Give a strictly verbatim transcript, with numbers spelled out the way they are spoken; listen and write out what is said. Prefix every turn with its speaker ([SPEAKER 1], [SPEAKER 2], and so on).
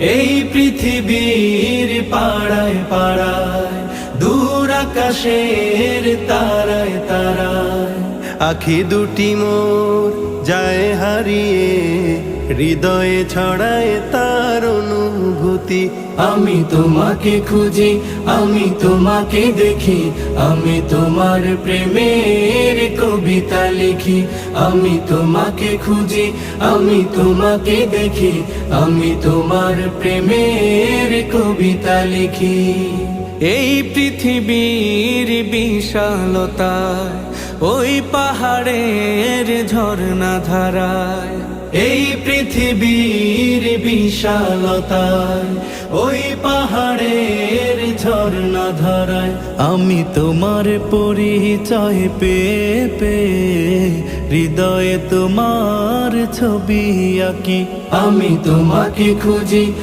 [SPEAKER 1] এই পৃথিবীর পাড়ায় পাড়ায়, দূর আকাশের তারায় তারায়, আখি দুটি মোর যায় হারিয়ে, হৃদয়ে ছড়ায় তার অনুভূতি। আমি তোমাকে খুঁজি, আমি তোমাকে দেখি, আমি তোমার প্রেমের কবিতা লিখি। আমি তোমাকে খুঁজি, আমি তোমাকে দেখি, আমি তোমার প্রেমের কবিতা লিখি। এই পৃথিবীর বিশালতায়, ওই পাহাড়ের ঝর্ণা ধারায়, এই পৃথিবীর বিশালতায়, ওই পাহাড়ের ঝর্ণা ধারায়, আমি তোমার পরিচয় পেয়ে পেয়ে, হৃদয়ে তোমার ছবি আঁকি। আমি তোমাকে খুঁজি।